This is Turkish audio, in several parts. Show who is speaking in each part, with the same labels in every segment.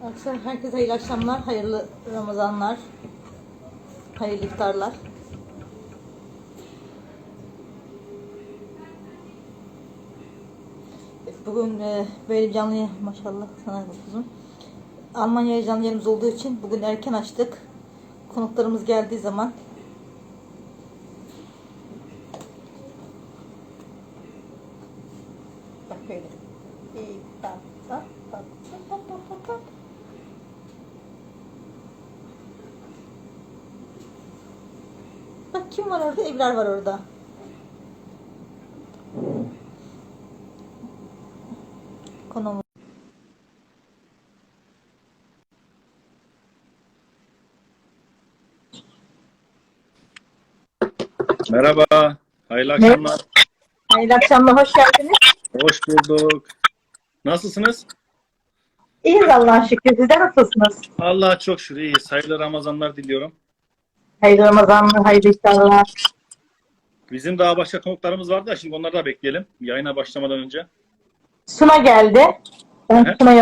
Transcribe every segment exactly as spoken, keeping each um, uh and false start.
Speaker 1: Arkadaşlar herkese hayırlı akşamlar, hayırlı Ramazanlar, hayırlı iftarlar. Bugün e, böyle canlı yayın, maşallah sana kuzum. Almanya'ya canlı yayınımız olduğu için bugün erken açtık. Konuklarımız geldiği zaman bak böyle. İyi, tak, tak, tak, tak, tak, tak, tak. Bak kim var orada? Ebrar var orada. Konuğumuz.
Speaker 2: Merhaba, hayırlı akşamlar.
Speaker 1: Hayırlı akşamlar, hoş geldiniz.
Speaker 2: Hoş bulduk. Nasılsınız?
Speaker 1: İyiyiz Allah'a şükür. Sizler nasılsınız?
Speaker 2: Allah'a çok şükür iyiyiz. Hayırlı Ramazanlar diliyorum.
Speaker 1: Hayırlı Ramazanlar, hayırlı iftarlar.
Speaker 2: Bizim daha başka konuklarımız vardı da şimdi onları da bekleyelim. Yayına başlamadan önce.
Speaker 1: Suna geldi. Ben
Speaker 2: Hı hı.
Speaker 1: Suna'ya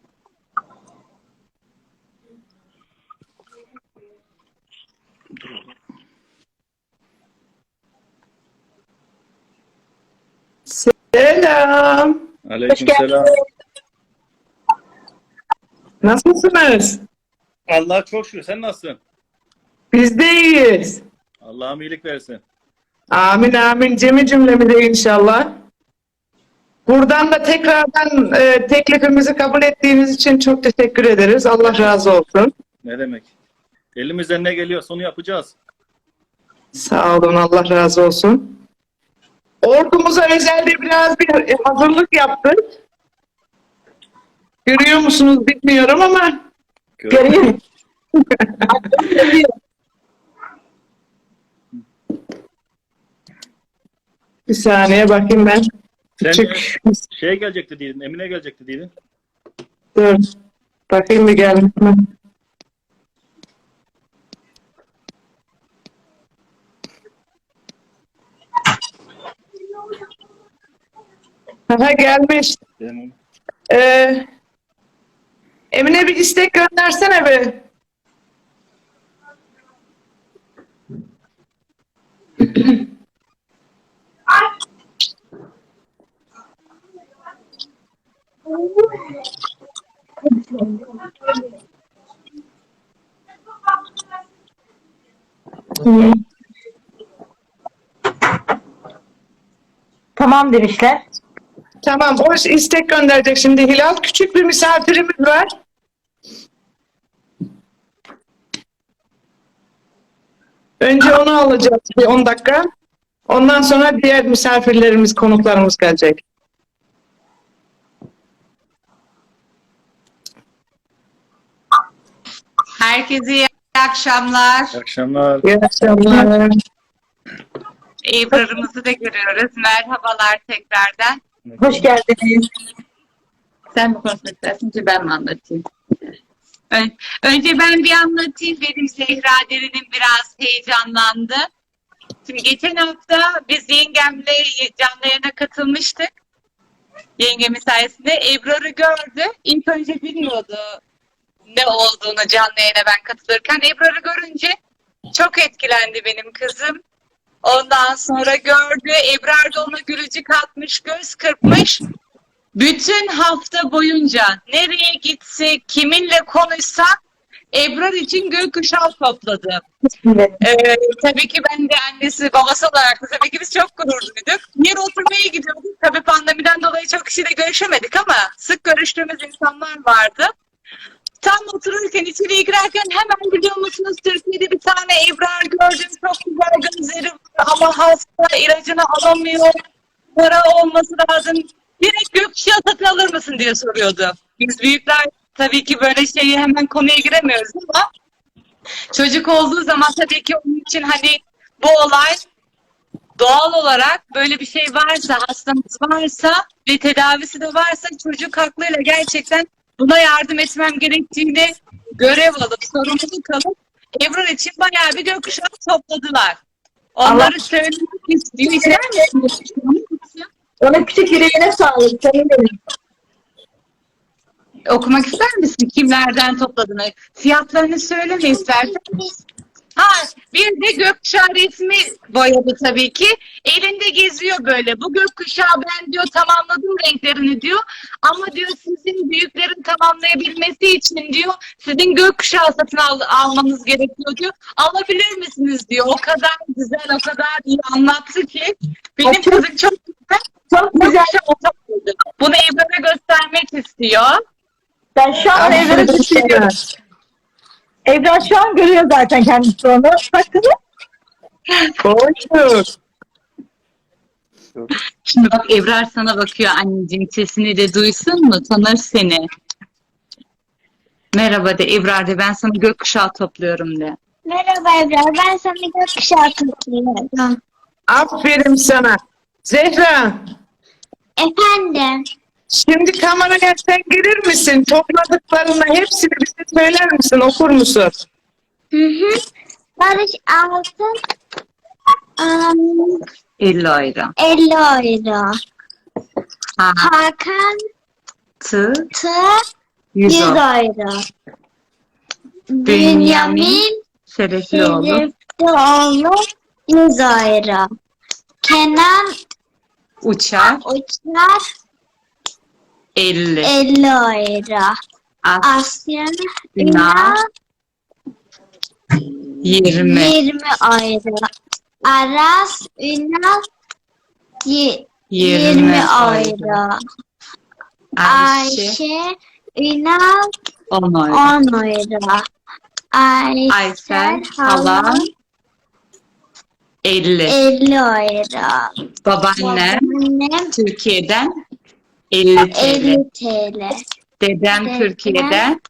Speaker 3: Selam.
Speaker 2: Aleykümselam.
Speaker 3: Nasılsınız?
Speaker 2: Allah'a çok şükür. Sen nasılsın?
Speaker 3: Biz de iyiyiz.
Speaker 2: Allah'ım iyilik versin.
Speaker 3: Amin amin. Cemi cümlemize inşallah. Buradan da tekrardan e, teklifimizi kabul ettiğiniz için çok teşekkür ederiz. Allah razı olsun.
Speaker 2: Ne demek? Elimizden ne geliyorsa onu yapacağız.
Speaker 3: Sağ olun. Allah razı olsun. Ordumuza özelde biraz bir e, hazırlık yaptık. Görüyor musunuz bilmiyorum ama
Speaker 1: göreyim.
Speaker 3: bir saniye bakayım ben.
Speaker 2: Sen
Speaker 3: Küçük.
Speaker 2: şey gelecekti dedin, Emine gelecekti dedin.
Speaker 3: Dur. Bakayım bir gelmiş mi? Aha gelmiş.
Speaker 2: Benim-
Speaker 3: Ee, Emine bir istek göndersene be. Hmm.
Speaker 1: Tamam demişler.
Speaker 3: Tamam, o istek gönderecek şimdi Hilal. Küçük bir misafirimiz var. Önce onu alacağız bir on dakika. Ondan sonra diğer misafirlerimiz, konuklarımız gelecek.
Speaker 4: Herkese iyi akşamlar.
Speaker 2: İyi akşamlar.
Speaker 3: İyi akşamlar.
Speaker 4: Ebrar'ımızı da görüyoruz. Merhabalar tekrardan.
Speaker 1: Hoş geldiniz.
Speaker 4: Sen mi konuşmak istersin, önce ben mi anlatayım? Ön- Önce ben bir anlatayım. Benim Zehra Derin'im biraz heyecanlandı. Şimdi geçen hafta biz yengemle canlı yayına katılmıştık. Yengemin sayesinde Ebrar'ı gördü. İlk önce bilmiyordu ne olduğunu canlı yayına ben katılırken. Ebrar'ı görünce çok etkilendi benim kızım. Ondan sonra gördü. Ebrar da ona gülücük atmış, göz kırpmış. Bütün hafta boyunca nereye gitse, kiminle konuşsa Ebrar için gökkuşağı topladı. Ee, tabii ki ben de annesi, babası olarak da tabii ki biz çok gurur duyduk. Bir oturmaya gidiyorduk. Tabii pandemiden dolayı çok kişiyle görüşemedik ama sık görüştüğümüz insanlar vardı. Tam otururken, içeriye girerken hemen biliyor musunuz Türkiye'de bir tane Ebrar gördüm. Çok güzel gözleri var ama hasta, ilacını alamıyor. Para olması lazım. Direkt gökkuşağı satın alır mısın diye soruyordu. Biz büyükler tabii ki böyle şeyi hemen konuya giremiyoruz ama çocuk olduğu zaman tabii ki onun için hani bu olay doğal olarak böyle bir şey varsa, hastamız varsa ve tedavisi de varsa çocuk aklıyla gerçekten buna yardım etmem gerektiğini görev alıp, sorumluluk alıp Ebrar için bayağı bir gökkuşağı topladılar. Onları
Speaker 1: Allah-
Speaker 4: söylemek istiyor.
Speaker 1: Ona küçük yüreğine sağlık. Senin benim.
Speaker 4: Okumak ister misin? Kimlerden topladığını? Fiyatlarını söyleme istersen. Ha, bir de gökkuşağı resmi boyadı tabii ki. Elinde geziyor böyle. Bu gökkuşağı ben diyor tamamladım renklerini diyor. Ama diyor sizin büyüklerin tamamlayabilmesi için diyor sizin gökkuşağı satın al almanız gerekiyor diyor. Alabilir misiniz diyor. O kadar güzel, o kadar iyi anlattı ki. Benim
Speaker 1: Çok-
Speaker 4: kızım çok güzel. Çok güzel anlattı. Bunu Ebrar'a göstermek istiyor.
Speaker 1: Ben şu an Evrar'ı düşünüyorum.
Speaker 3: Aferin.
Speaker 1: Evrar şu an görüyor zaten kendisi onu. Bakın.
Speaker 3: Buyur.
Speaker 4: Şimdi bak Ebrar sana bakıyor anneciğim, sesini de duysun mu? Tanır seni. Merhaba de Ebrar de, ben sana gökkuşağı topluyorum de.
Speaker 5: Merhaba Ebrar, ben sana gökkuşağı topluyorum.
Speaker 3: Aferin sana. Zehra,
Speaker 5: Efendim,
Speaker 3: şimdi kameraya sen girir misin? Topladıklarını hepsini bize söyler misin? Okur musun?
Speaker 5: hı hı. Barış Altın um,
Speaker 4: elli euro.
Speaker 5: elli euro.
Speaker 4: Ha,
Speaker 5: Hakan
Speaker 4: tı,
Speaker 5: Tı
Speaker 4: yüz
Speaker 5: yüz
Speaker 4: euro.
Speaker 5: euro.
Speaker 4: Bünyamin
Speaker 5: Bünyamin
Speaker 4: Şereflioğlu.
Speaker 5: Şeriflioğlu yüz euro. Kenan
Speaker 4: Uçar
Speaker 5: Uçar
Speaker 4: elli.
Speaker 5: elli euro.
Speaker 4: As
Speaker 5: Asya
Speaker 4: Ünal
Speaker 5: Ünal
Speaker 4: yirmi.
Speaker 5: yirmi euro. Aras Ünal y-
Speaker 4: yirmi
Speaker 5: yirmi
Speaker 4: euro.
Speaker 5: euro.
Speaker 4: Ayşe
Speaker 5: Ayşe Ünal
Speaker 4: on euro.
Speaker 5: on euro.
Speaker 4: Aysel
Speaker 5: Aysel
Speaker 4: Halan
Speaker 5: Halan
Speaker 4: elli.
Speaker 5: elli euro.
Speaker 4: Babaannem
Speaker 5: Annem
Speaker 4: Türkiye'den elli TL.
Speaker 5: elli TL.
Speaker 4: Dedem
Speaker 5: Dedem
Speaker 4: Türkiye'den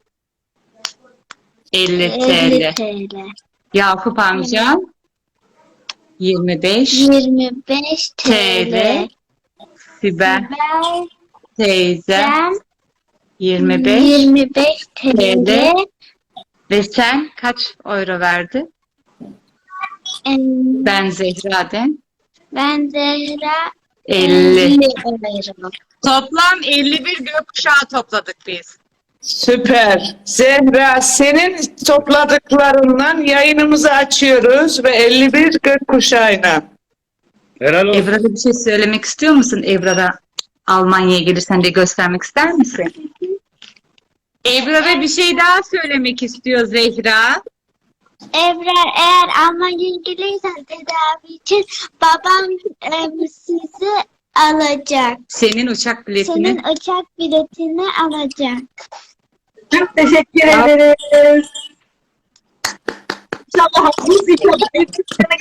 Speaker 4: elli
Speaker 5: elli
Speaker 4: TL.
Speaker 5: TL.
Speaker 4: Yakup amcam yirmi beş
Speaker 5: yirmi beş
Speaker 4: TL.
Speaker 5: TL.
Speaker 4: Sibel
Speaker 5: Ben
Speaker 4: teyzem yirmi beş
Speaker 5: yirmi beş TL.
Speaker 4: ve sen kaç euro verdi?
Speaker 5: Em,
Speaker 4: Ben Zehra'den
Speaker 5: Ben Zehra
Speaker 4: elli.
Speaker 5: elli euro.
Speaker 4: Toplam elli bir gökkuşağı topladık biz.
Speaker 3: Süper. Zehra, senin topladıklarından yayınımızı açıyoruz ve elli bir gökkuşağıyla.
Speaker 2: Helal olsun.
Speaker 4: Ebrar'a bir şey söylemek istiyor musun? Ebrar'a Almanya'ya gelirsen de göstermek ister misin? Ebrar'a bir şey daha söylemek istiyor Zehra.
Speaker 5: Ebrar, eğer Almanya'ya gelirsen tedavi için babam em, sizi alacak.
Speaker 4: Senin uçak biletini.
Speaker 5: Senin uçak biletini alacak.
Speaker 1: Çok teşekkür ederiz. İnşallah haklısın. İnşallah.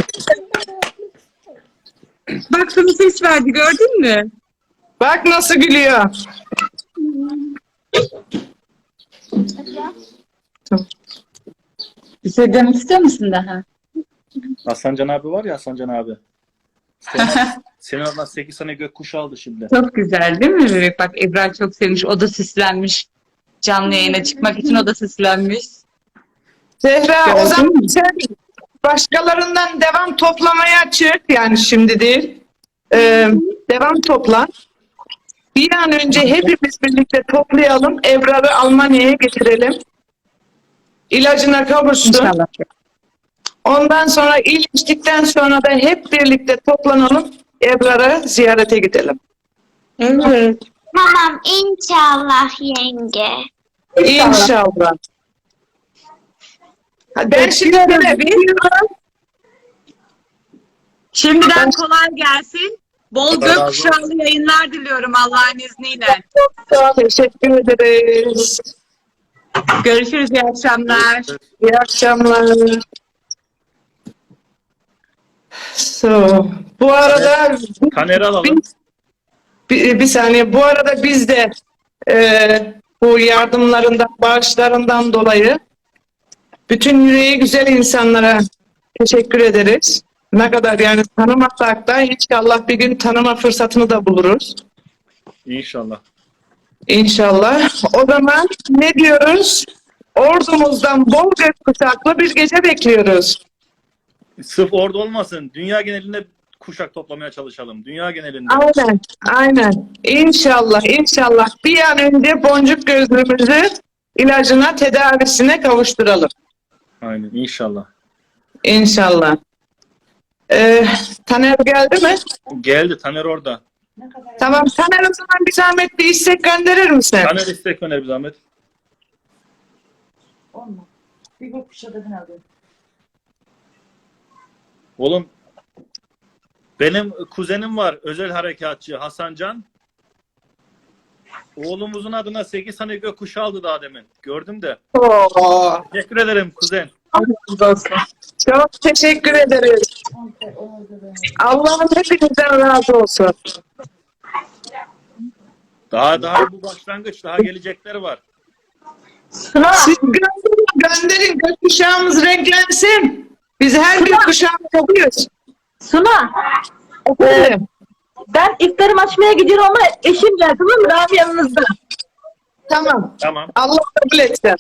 Speaker 4: Bak sana ses verdi, gördün mü?
Speaker 3: Bak nasıl gülüyor.
Speaker 4: Bir şey demek istiyor musun daha?
Speaker 2: Hasancan abi var ya, Hasancan abi. Senin, senin oradan sekiz tane gökkuşağı aldı şimdi.
Speaker 4: Çok güzel değil mi bebek? Bak Ebrar çok sevmiş. O da süslenmiş. Canlı yayına çıkmak için o da süslenmiş.
Speaker 3: Zehra, o
Speaker 4: Gördün
Speaker 3: zaman
Speaker 4: mü?
Speaker 3: sen başkalarından devam toplamaya çık. Yani şimdi değil. Ee, devam topla. Bir an önce hepimiz birlikte toplayalım. Ebrar'ı Almanya'ya getirelim. İlacına kavuşsun.
Speaker 4: İnşallah.
Speaker 3: Ondan sonra iyileştikten sonra da hep birlikte toplanalım. Ebrar'ı ziyarete gidelim.
Speaker 4: Evet.
Speaker 5: Tamam, inşallah yenge.
Speaker 3: İnşallah. Ben şimdi
Speaker 4: Şimdiden kolay gelsin. Bol
Speaker 2: Allah razı
Speaker 4: gökkuşağlı yayınlar diliyorum Allah'ın izniyle.
Speaker 3: teşekkür ederiz.
Speaker 4: Görüşürüz. İyi akşamlar.
Speaker 3: İyi akşamlar. So, bu arada
Speaker 2: Taner'i alalım.
Speaker 3: bir, bir saniye. Bu arada biz de e, bu yardımlarından, bağışlarından dolayı bütün yüreği güzel insanlara teşekkür ederiz. Ne kadar yani tanımasak da inşallah bir gün tanıma fırsatını da buluruz.
Speaker 2: İnşallah.
Speaker 3: İnşallah. O zaman ne diyoruz? Ordumuzdan bol gökkuşaklı bir gece bekliyoruz.
Speaker 2: Sırf orada olmasın. Dünya genelinde kuşak toplamaya çalışalım. Dünya genelinde.
Speaker 3: Aynen, aynen. İnşallah, inşallah bir an önce boncuk gözlümüzü ilacına, tedavisine kavuşturalım.
Speaker 2: Aynen inşallah.
Speaker 3: İnşallah. Ee, Taner geldi mi?
Speaker 2: Geldi Taner orada.
Speaker 3: Tamam, Taner o zaman bir zahmet bir istek gönderir misin?
Speaker 2: Taner istek öner bir zahmet. Oğlum benim kuzenim var özel harekatçı Hasan Can. Oğlumuzun adına sekiz tane gökkuşağı aldı daha demin. Gördüm de.
Speaker 3: Oo,
Speaker 2: Teşekkür ederim kuzen.
Speaker 3: çok teşekkür ederiz. Allah'ın hepinizden razı olsun.
Speaker 2: Daha daha bu başlangıç. Daha gelecekler var.
Speaker 1: Suna,
Speaker 3: Siz gönderin, gönderin. Gökkuşağımız renklensin. Biz her gökkuşağını alıyoruz.
Speaker 1: Suna.
Speaker 3: Efendim?
Speaker 1: Ben iftarım açmaya gidiyorum ama eşim geldi, tamam mı? Rami yanınızda.
Speaker 3: Tamam.
Speaker 2: Tamam.
Speaker 3: Allah kabul etsin.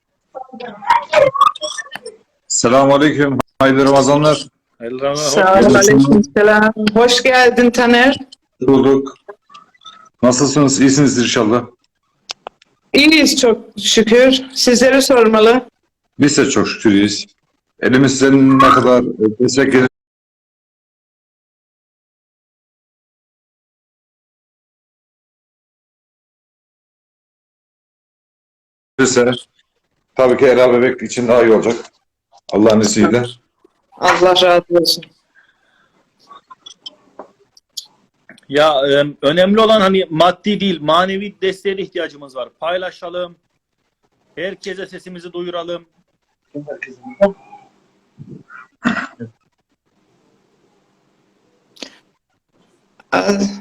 Speaker 6: Selamünaleyküm. Hayırlı Ramazanlar.
Speaker 2: Hayırlı Ramazanlar.
Speaker 3: Sağ olun, aleykümselam. Hoş geldin Taner.
Speaker 6: Bulduk. Nasılsınız? İyisiniz inşallah.
Speaker 3: İyiyiz çok şükür. Sizleri sormalı.
Speaker 6: Biz de çok şükür iyiyiz. Elimizden ne kadar destek gelirse tabii ki Ela Bebek için daha iyi olacak. Allah'ın izniyle.
Speaker 3: Allah razı olsun.
Speaker 2: Ya e, önemli olan hani maddi değil, manevi desteğe de ihtiyacımız var. Paylaşalım. Herkese sesimizi duyuralım.
Speaker 3: Az,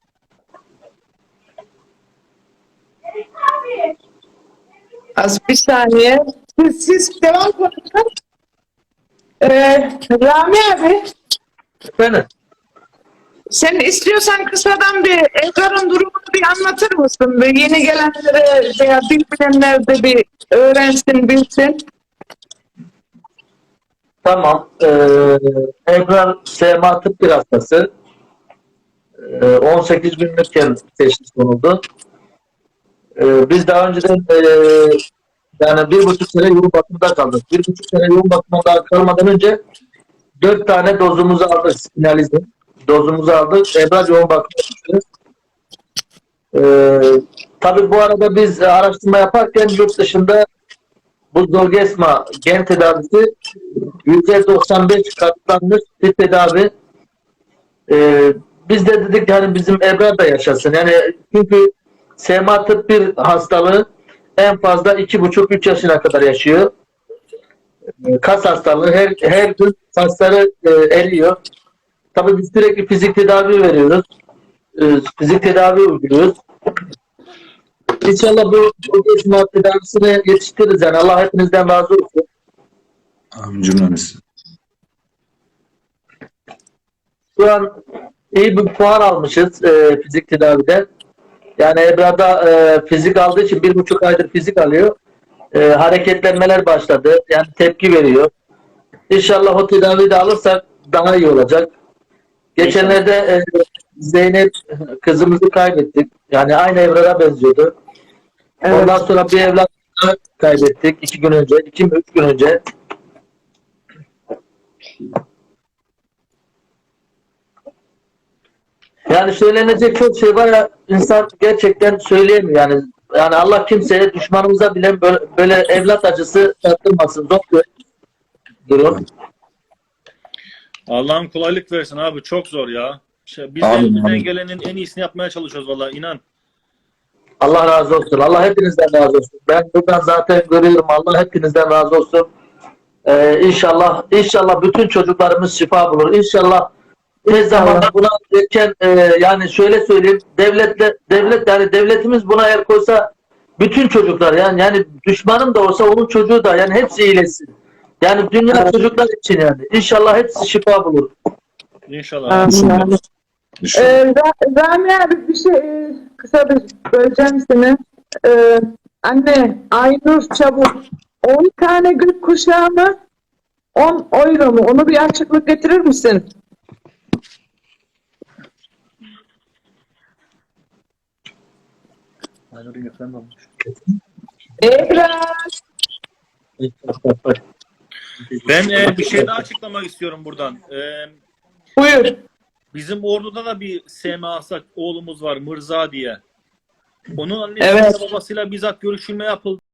Speaker 3: az bir saniye. Siz, siz devam konuşun. Ee, Rami abi,
Speaker 7: Efendim?
Speaker 3: sen istiyorsan kısadan bir Ekrar'ın durumunu bir anlatır mısın? Bir yeni gelenlere veya bilmeyenler de bir öğrensin, bilsin.
Speaker 7: Tamam. Ee, Ebrar S M A tıp bir hastası. Ee, on sekiz günlükken teşhis konuldu. Ee, biz daha önceden e, yani bir buçuk sene yoğun bakımda kaldık. Bir buçuk sene yoğun bakımda kalmadan önce dört tane dozumuzu aldık. Spinalizm. Dozumuzu aldık. Ebrar yoğun bakımda düştü. Ee, tabii bu arada biz araştırma yaparken yurt dışında bu Zolgensma gen tedavisi yüzde doksan beş katlanmış bir tedavi. Ee, biz de dedik yani bizim Ebrar da yaşasın. Yani çünkü S M A tıp bir hastalığı en fazla iki buçuk üç yaşına kadar yaşıyor. Ee, kas hastalığı her, her gün kasları e, eriyor. Tabii biz sürekli fizik tedavi veriyoruz. Ee, fizik tedavi uyguluyoruz. İnşallah bu Zolgensma tedavisine yetiştiririz. Yani Allah hepinizden razı olsun.
Speaker 6: Amin cümlemiz.
Speaker 7: Şu an iyi bir puan almışız e, fizik tedavide. Yani Ebrar'da e, fizik aldığı için bir buçuk aydır fizik alıyor. E, hareketlenmeler başladı. Yani tepki veriyor. İnşallah o tedaviyi de alırsak daha iyi olacak. Geçenlerde e, Zeynep kızımızı kaybettik. Yani aynı Ebrar'a benziyordu.
Speaker 3: Evet.
Speaker 7: Ondan sonra bir evlat daha kaybettik. iki gün önce, iki mi üç gün önce. Yani söylenecek çok şey var ya, insan gerçekten söyleyemiyor yani. Yani Allah kimseye, düşmanımıza bile böyle, böyle evlat acısı tattırmasın. Zor bir durum.
Speaker 2: Allah'ım kolaylık versin abi. Çok zor ya. Şey, biz de
Speaker 6: Amin,
Speaker 2: elimizden
Speaker 6: amin.
Speaker 2: gelenin en iyisini yapmaya çalışıyoruz vallahi inan.
Speaker 7: Allah razı olsun. Allah hepinizden razı olsun. Ben buradan zaten görüyorum. Allah hepinizden razı olsun. Ee, inşallah, inşallah bütün çocuklarımız şifa bulur. İnşallah tez zamanda buna erken e, yani şöyle söyleyeyim, devletle devlet yani devletimiz buna el koysa bütün çocuklar yani yani düşmanım da olsa onun çocuğu da yani hepsi iyileşsin. Yani dünya çocuklar için yani. İnşallah hepsi şifa bulur.
Speaker 2: İnşallah.
Speaker 3: Amin, amin.
Speaker 6: İnşallah.
Speaker 3: Ee, Ra- Rami abi bir şey e, kısa bir böleceğim seni. Ee, anne Aynur Çabuk on tane gök kuşağı mı on euro mu? Onu bir açıklık getirir misin? Ebrar.
Speaker 2: Ben e, bir şey daha açıklamak istiyorum buradan. E,
Speaker 3: Buyur.
Speaker 2: bizim orduda da bir S M Asak oğlumuz var, Mırza diye. Onun annesi
Speaker 3: Evet.
Speaker 2: babasıyla bizzat görüşülme yapıldı.